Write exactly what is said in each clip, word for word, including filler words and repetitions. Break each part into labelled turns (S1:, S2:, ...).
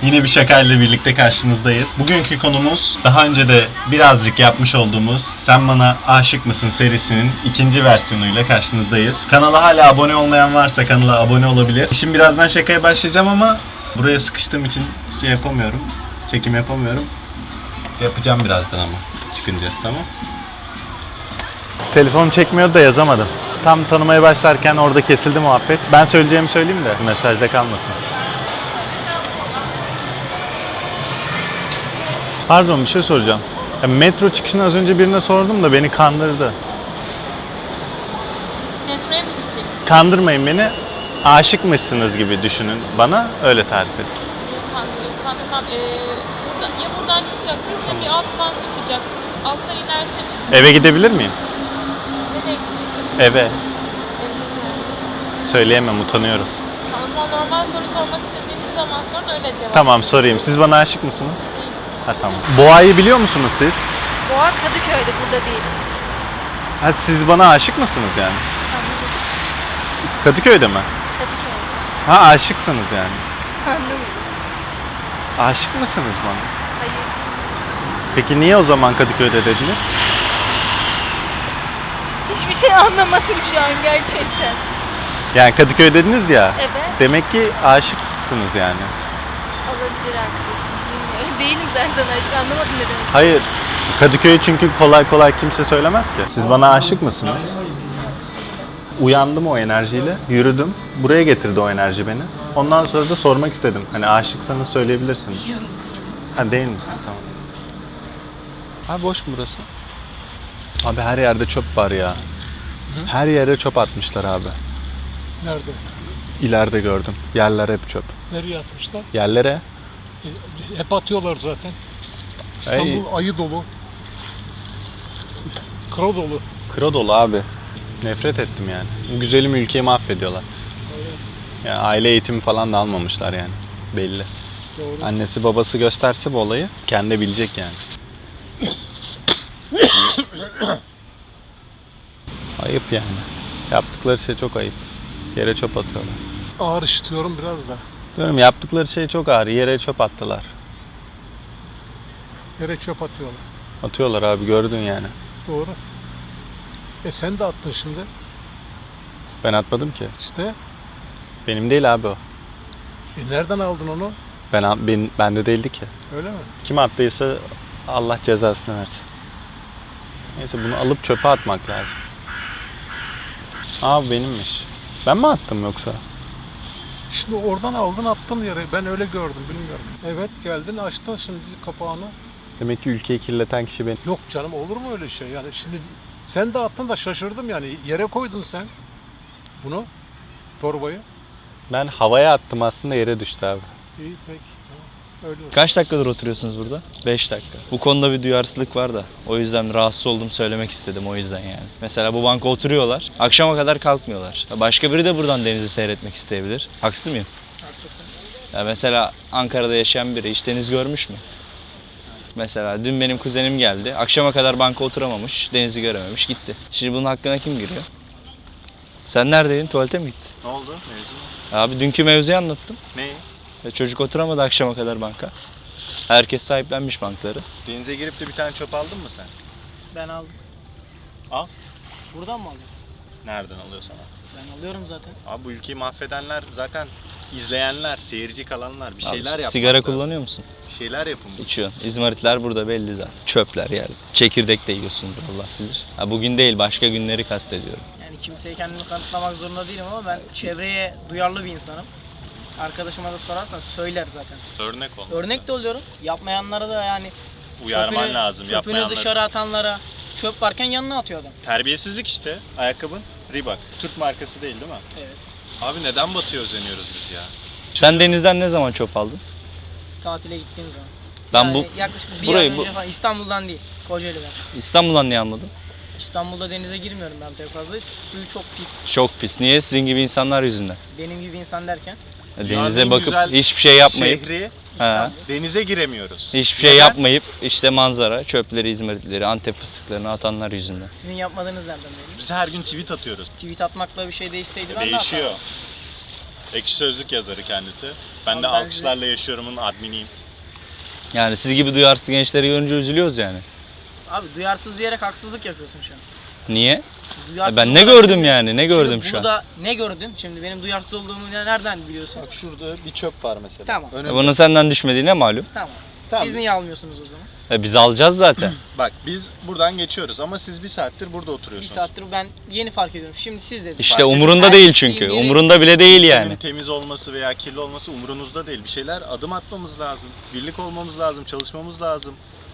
S1: Yine bir şakayla birlikte karşınızdayız. Bugünkü konumuz daha önce de birazcık yapmış olduğumuz Sen Bana Aşık Mısın serisinin ikinci versiyonuyla karşınızdayız. Kanala hala abone olmayan varsa kanala abone olabilir. Şimdi birazdan şakaya başlayacağım ama buraya sıkıştığım için şey yapamıyorum. Çekim yapamıyorum. Yapacağım birazdan ama çıkınca, tamam. Telefon çekmiyor da yazamadım. Tam tanımaya başlarken orada kesildi muhabbet. Ben söyleyeceğimi söyleyeyim de mesajda kalmasın. Pardon, bir şey soracağım. Ya, metro çıkışını az önce birine sordum da beni kandırdı.
S2: Metroya mı gideceksin?
S1: Kandırmayın beni. Aşık mısınız gibi düşünün. Bana öyle tarif edin.
S2: Ee, kandırayım, kandırmam. Ee, burada, ya buradan çıkacaksınız ya bir alttan çıkacaksınız. Alttan inerseniz...
S1: Eve gidebilir miyim?
S2: Nereye gideceksiniz?
S1: Eve.
S2: Evinize.
S1: Söyleyemem, utanıyorum.
S2: Ha, o zaman normal soru sormak istediğiniz zaman sorun, öyle cevap.
S1: Tamam, sorayım. Siz bana aşık mısınız?
S2: Değil.
S1: Ha, tamam. Boğa'yı biliyor musunuz siz?
S2: Boğa Kadıköy'de, burada değil.
S1: Ha, siz bana aşık mısınız yani?
S2: Anladım.
S1: Kadıköy'de mi?
S2: Kadıköy'de.
S1: Ha, aşıksınız yani.
S2: Anladım.
S1: Aşık mısınız bana?
S2: Hayır.
S1: Peki niye o zaman Kadıköy'de dediniz?
S2: Hiçbir şey anlamadım şu an gerçekten.
S1: Yani Kadıköy dediniz ya.
S2: Evet.
S1: Demek ki aşıksınız yani.
S2: Olabilir arkadaşım. Bilmiyorum. Değilim zaten artık, anlamadım ne demek.
S1: Hayır. Kadıköy çünkü kolay kolay kimse söylemez ki. Siz bana aşık mısınız? Uyandım o enerjiyle, yürüdüm. Buraya getirdi o enerji beni. Ondan sonra da sormak istedim. Hani aşıksanız söyleyebilirsiniz. Ha, değil misiniz? Tamam. Abi boş mu burası? Abi her yerde çöp var ya. Her yere çöp atmışlar abi.
S3: Nerede?
S1: İleride gördüm. Yerler hep çöp.
S3: Nereye atmışlar?
S1: Yerlere.
S3: E, hep atıyorlar zaten. İstanbul ayı dolu. Kro dolu.
S1: Kro dolu abi. Nefret ettim yani. Bu güzelim ülkeyi mahvediyorlar. Yani aile eğitimi falan da almamışlar yani. Belli.
S3: Doğru.
S1: Annesi babası gösterse bu olayı kendi bilecek yani. Ayıp yani. Yaptıkları şey çok ayıp. Yere çöp atıyorlar.
S3: Ağır işitiyorum biraz da.
S1: Diyorum, yaptıkları şey çok ağır. Yere çöp attılar.
S3: Yere çöp atıyorlar.
S1: Atıyorlar abi, gördün yani.
S3: Doğru. E sen de attın şimdi.
S1: Ben atmadım ki.
S3: İşte.
S1: Benim değil abi o.
S3: E nereden aldın onu?
S1: Ben, ben bende değildi ki.
S3: Öyle mi?
S1: Kim attıysa Allah cezasını versin. Neyse, bunu alıp çöpe atmak lazım. Abi benimmiş. Ben mi attım yoksa?
S3: Şimdi oradan aldın attın yere. Ben öyle gördüm, bilmiyorum. Evet, geldin açtın şimdi kapağını.
S1: Demek ki ülkeyi kirleten kişi benim.
S3: Yok canım, olur mu öyle şey? Yani şimdi sen de attın da şaşırdım yani. Yere koydun sen bunu, torbayı.
S1: Ben havaya attım, aslında yere düştü abi.
S3: İyi, peki. Tamam. Öyle olsun.
S4: Kaç dakikadır oturuyorsunuz burada? beş dakika. Bu konuda bir duyarsızlık var da. O yüzden rahatsız oldum, söylemek istedim o yüzden yani. Mesela bu banka oturuyorlar. Akşama kadar kalkmıyorlar. Başka biri de buradan denizi seyretmek isteyebilir. Haksız mıyım?
S3: Haklısın.
S4: Ya mesela Ankara'da yaşayan biri hiç deniz görmüş mü? Mesela dün benim kuzenim geldi. Akşama kadar banka oturamamış, denizi görememiş, gitti. Şimdi bunun hakkına kim giriyor? Sen neredeydin? Tuvalete mi gittin?
S1: Ne oldu mevzu?
S4: Abi dünkü mevzuyu anlattım.
S1: Ne?
S4: Ya çocuk oturamadı akşama kadar banka. Herkes sahiplenmiş bankları.
S1: Denize girip de bir tane çöp aldın mı sen?
S5: Ben aldım.
S1: Al.
S5: Buradan mı aldın?
S1: Nereden alıyorsan al.
S5: Ben alıyorum zaten.
S1: Abi bu ülkeyi mahvedenler zaten izleyenler, seyirci kalanlar. Bir şeyler
S4: Abi,
S1: yapmak
S4: sigara
S1: lazım.
S4: kullanıyor musun?
S1: Bir şeyler yapın.
S4: İçiyorsun. İzmaritler burada belli zaten. Çöpler yani. Çekirdek de yiyorsundur Allah bilir. Ha, bugün değil, başka günleri kastediyorum.
S5: Yani kimseye kendimi kanıtlamak zorunda değilim ama ben çevreye duyarlı bir insanım. Arkadaşıma da sorarsan söyler zaten.
S1: Örnek ol.
S5: Örnek de oluyorum. Yapmayanlara da yani
S1: Uyarman
S5: çöpünü,
S1: lazım.
S5: çöpünü
S1: Yapmayanları.
S5: dışarı atanlara, çöp varken yanına atıyor adam.
S1: Terbiyesizlik işte. Ayakkabın Reebok. Türk markası değil değil mi?
S5: Evet.
S1: Abi neden batıya özeniyoruz biz ya?
S4: Sen denizden ne zaman çöp aldın?
S5: Tatile gittiğim zaman.
S4: Ben
S5: yani
S4: bu
S5: yaklaşık bir
S4: burayı
S5: ay
S4: bu-
S5: önce falan, İstanbul'dan değil, Kocaeli'den.
S4: İstanbul'dan niye almadın?
S5: İstanbul'da denize girmiyorum ben pek fazla. Suyu çok pis.
S4: Çok pis. Niye? Sizin gibi insanlar yüzünden.
S5: Benim gibi insan derken
S4: Denize bakıp hiçbir şey yapmayıp,
S1: Şehri
S4: ha,
S1: denize giremiyoruz.
S4: hiçbir şey
S1: Neden?
S4: yapmayıp işte manzara, çöpleri, izmaritleri, Antep fıstıklarını atanlar yüzünden.
S5: sizin yapmadığınız nereden belli?
S1: Biz her gün tweet atıyoruz.
S5: Tweet atmakla bir şey değişseydi ben de
S1: Değişiyor.
S5: atardım.
S1: Ekşi Sözlük yazarı kendisi. Ben de
S5: Ama ben
S1: alkışlarla yaşıyorumun adminiyim.
S4: Yani siz gibi duyarsız gençleri görünce üzülüyoruz yani.
S5: Abi duyarsız diyerek haksızlık yapıyorsun şu an.
S4: Niye?
S5: Duyarsız
S4: Ben ne
S5: olarak
S4: gördüm
S5: şimdi-
S4: yani? Ne
S5: şimdi
S4: gördüm şu
S5: bunu
S4: an?
S5: da ne gördün? Şimdi benim duyarsız olduğumu ne- nereden biliyorsun?
S6: Bak şurada bir çöp var mesela.
S5: Tamam.
S6: Önünde.
S4: Bunun senden düşmediğine malum.
S5: Tamam.
S6: Tamam.
S5: Siz niye almıyorsunuz o zaman?
S4: E biz alacağız zaten.
S6: Bak biz buradan geçiyoruz ama siz bir saattir burada
S5: Bir
S6: oturuyorsunuz.
S5: saattir ben yeni fark ediyorum. Şimdi siz dediniz.
S4: İşte
S6: Fark
S4: umurunda
S5: etmez.
S4: değil
S5: Her
S4: çünkü.
S5: gittiğim yeri-
S4: Umurunda bile değil
S1: Ülkenin
S4: yani.
S1: temiz olması veya kirli olması umurunuzda değil. Bir şeyler adım atmamız lazım. Birlik olmamız lazım, çalışmamız lazım.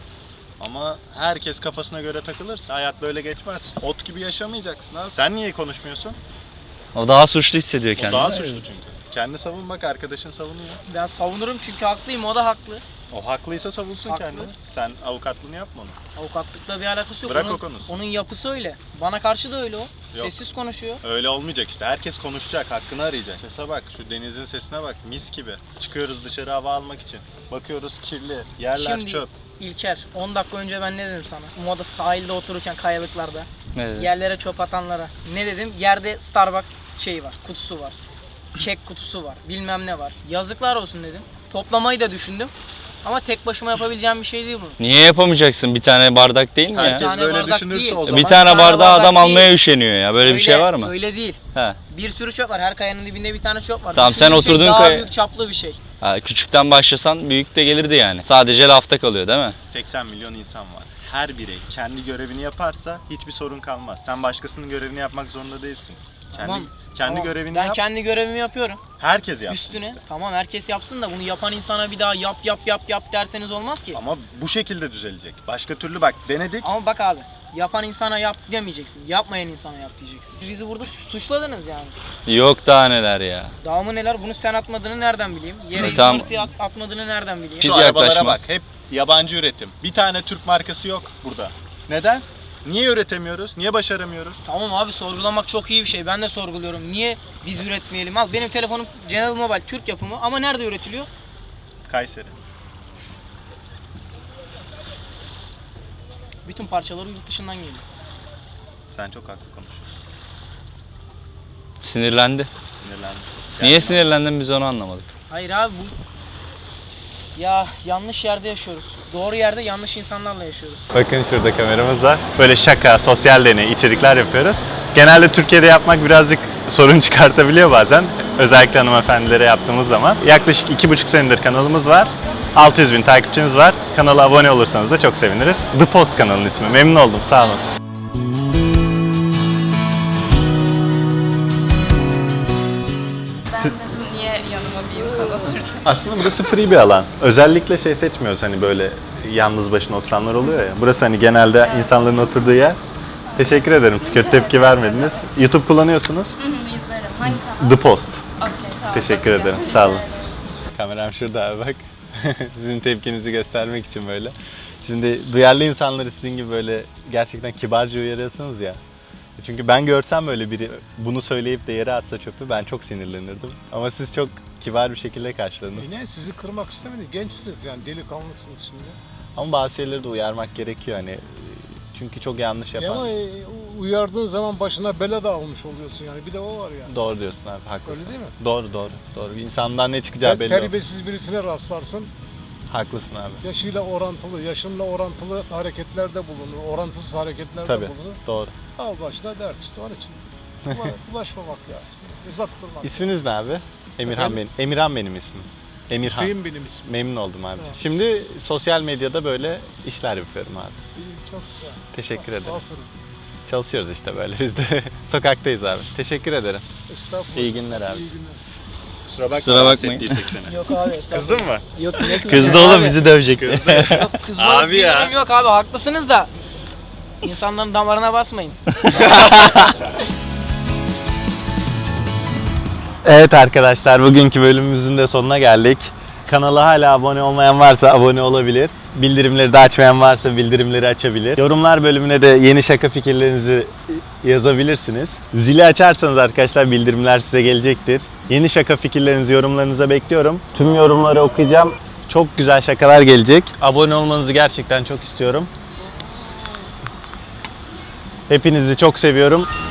S1: Ama herkes kafasına göre takılırsa hayat böyle geçmez. Ot gibi yaşamayacaksın abi. Sen niye konuşmuyorsun?
S4: O daha suçlu hissediyor
S1: O
S4: kendini.
S1: daha suçlu çünkü. Kendi savun bak, arkadaşın savunuyor.
S5: Ben savunurum çünkü haklıyım, o da haklı.
S1: O haklıysa savunsun
S5: Haklı.
S1: kendini. Sen avukatlığını yapma onu.
S5: Avukatlıkla bir alakası yok.
S1: Bırak
S5: onun,
S1: o konusu.
S5: onun yapısı öyle. Bana karşı da öyle o.
S1: Yok.
S5: Sessiz konuşuyor.
S1: Öyle olmayacak işte. Herkes konuşacak, hakkını arayacak. Sese bak, şu denizin sesine bak. Mis gibi. Çıkıyoruz dışarı hava almak için. Bakıyoruz kirli. Yerler
S5: Şimdi
S1: çöp.
S5: İlker, on dakika önce ben ne dedim sana? Umada sahilde otururken kayalıklarda.
S4: Ne dedi?
S5: Yerlere çöp atanlara. Ne dedim? Yerde Starbucks şeyi var, kutusu var. Kek kutusu var, bilmem ne var. Yazıklar olsun dedim. Toplamayı da düşündüm. Ama tek başıma yapabileceğim bir şey değil bu.
S4: Niye yapamayacaksın? Bir tane bardak değil mi ya?
S1: Herkes
S5: tane
S1: böyle
S5: bardak
S1: düşünürse
S5: değil.
S1: o
S4: Bir
S1: zaman
S4: tane
S5: tane
S4: bardağı
S5: bardak
S4: adam
S5: değil.
S4: almaya üşeniyor ya. Böyle bir şey
S5: Öyle-
S4: var mı?
S5: Öyle değil.
S4: He.
S5: Bir sürü çöp var. Her kayanın dibinde bir tane çöp var.
S4: Tamam, sen
S5: Düşündüğüm şey
S4: oturduğun
S5: daha
S4: kaya-
S5: büyük çaplı bir şey.
S4: Ha, küçükten başlasan büyük de gelirdi yani. Sadece lafta kalıyor değil mi?
S1: seksen milyon insan var. Her birey kendi görevini yaparsa hiçbir sorun kalmaz. Sen başkasının görevini yapmak zorunda değilsin. Kendi,
S5: Tamam.
S1: kendi
S5: Tamam.
S1: görevini
S5: Ben
S1: yap.
S5: kendi görevimi yapıyorum.
S1: Herkes yapsın.
S5: Üstüne. Tamam, herkes yapsın da bunu yapan insana bir daha yap yap yap yap derseniz olmaz ki.
S1: Ama bu şekilde düzelecek. Başka türlü bak denedik.
S5: Ama bak abi, yapan insana yap demeyeceksin. Yapmayan insana yap diyeceksin. Siz bizi burada suçladınız yani.
S4: Yok daha neler ya.
S5: Daha mı neler? Bunu sen atmadığını nereden bileyim? Yere
S4: E, tamam.
S5: yumurtayı at, atmadığını nereden bileyim?
S4: Şu
S1: Şu arabalara bak.
S4: yaklaşmaz.
S1: Hep yabancı üretim. Bir tane Türk markası yok burada. Neden? Niye üretemiyoruz? Niye başaramıyoruz?
S5: Tamam abi, sorgulamak çok iyi bir şey. Ben de sorguluyorum. Niye biz üretmeyelim? Al, benim telefonum General Mobile Türk yapımı ama nerede üretiliyor?
S1: Kayseri.
S5: Bütün parçaları yurt dışından geliyor.
S1: Sen çok haklı konuşuyorsun.
S4: Sinirlendi.
S1: Sinirlendim.
S4: Niye
S1: Gerçekten.
S4: sinirlendin biz onu anlamadık.
S5: Hayır abi, bu... Ya yanlış yerde yaşıyoruz. Doğru yerde yanlış insanlarla yaşıyoruz.
S1: Bakın şurada kameramız var. Böyle şaka, sosyal deney, içerikler yapıyoruz. Genelde Türkiye'de yapmak birazcık sorun çıkartabiliyor bazen. Özellikle hanımefendilere yaptığımız zaman. Yaklaşık iki buçuk senedir kanalımız var. altı yüz bin takipçimiz var. Kanala abone olursanız da çok seviniriz. The Post kanalının ismi. Memnun oldum. Sağ olun.
S2: Ben dedim niye yanıma bir insan oturdu?
S1: Aslında burası free bir alan. Özellikle şey seçmiyoruz, hani böyle yalnız başına oturanlar oluyor ya. Burası hani genelde insanların oturduğu yer. Teşekkür ederim. Kötü tepki vermediniz. YouTube kullanıyorsunuz.
S2: Hı hı, izlerim. Hangi kanal?
S1: The Post.
S2: Okey, tamam.
S1: Teşekkür
S2: bakacağım.
S1: ederim. Sağ olun. Kameram şurada abi, bak. Sizin tepkinizi göstermek için böyle. Şimdi duyarlı insanları sizin gibi böyle gerçekten kibarca uyarıyorsunuz ya. Çünkü ben görsem böyle biri bunu söyleyip de yere atsa çöpü, ben çok sinirlenirdim. Ama siz çok kibar bir şekilde karşıladınız.
S3: Yine sizi kırmak istemedim. Gençsiniz yani, delikanlısınız şimdi.
S1: Ama bazı şeyleri de uyarmak gerekiyor hani. Çünkü çok yanlış
S3: Ya
S1: yapan.
S3: ama e, uyardığın zaman başına bela da almış oluyorsun yani. Bir de o var yani.
S1: Doğru diyorsun abi, haklısın.
S3: Öyle değil mi?
S1: Doğru doğru. Doğru. İnsandan ne çıkacağı
S3: Ter-
S1: belli olmaz.
S3: terbiyesiz birisine rastlarsın.
S1: Haklısın abi.
S3: Yaşıyla orantılı, yaşınla orantılı hareketlerde bulunur. Orantısız hareketlerde
S1: Tabii.
S3: bulunur.
S1: Doğru.
S3: Al başına dert işte, onun için. Ula- Ulaşmamak lazım. Uzak durmak.
S1: İsminiz ne abi? Emirhan
S3: Efendim?
S1: benim. Emirhan benim ismim. Emirhan.
S3: Hüseyin benim ismim.
S1: Memnun oldum abi.
S3: Tamam.
S1: Şimdi sosyal medyada böyle işler yapıyorum abi.
S3: İyi, çok güzel.
S1: Teşekkür ederim.
S3: Aferin.
S1: Çalışıyoruz işte böyle biz de. Sokaktayız abi. Teşekkür ederim.
S3: Estağfurullah.
S1: İyi günler abi.
S3: İyi günler.
S1: Kusura bakma.
S4: Kusura bakmayın.
S5: Yok abi, estağfurullah.
S1: Kızdın mı?
S5: Yok, ne kızı?
S4: Kızdı oğlum, bizi dövecekti.
S5: Yok, kızmalık
S1: Abi
S5: bir
S1: ya.
S5: durum yok abi, haklısınız da. İnsanların damarına basmayın.
S1: Evet arkadaşlar, bugünkü bölümümüzün de sonuna geldik. Kanala hala abone olmayan varsa abone olabilir. Bildirimleri de açmayan varsa bildirimleri açabilir. Yorumlar bölümüne de yeni şaka fikirlerinizi yazabilirsiniz. Zili açarsanız arkadaşlar bildirimler size gelecektir. Yeni şaka fikirlerinizi, yorumlarınıza bekliyorum. Tüm yorumları okuyacağım. Çok güzel şakalar gelecek. Abone olmanızı gerçekten çok istiyorum. Hepinizi çok seviyorum.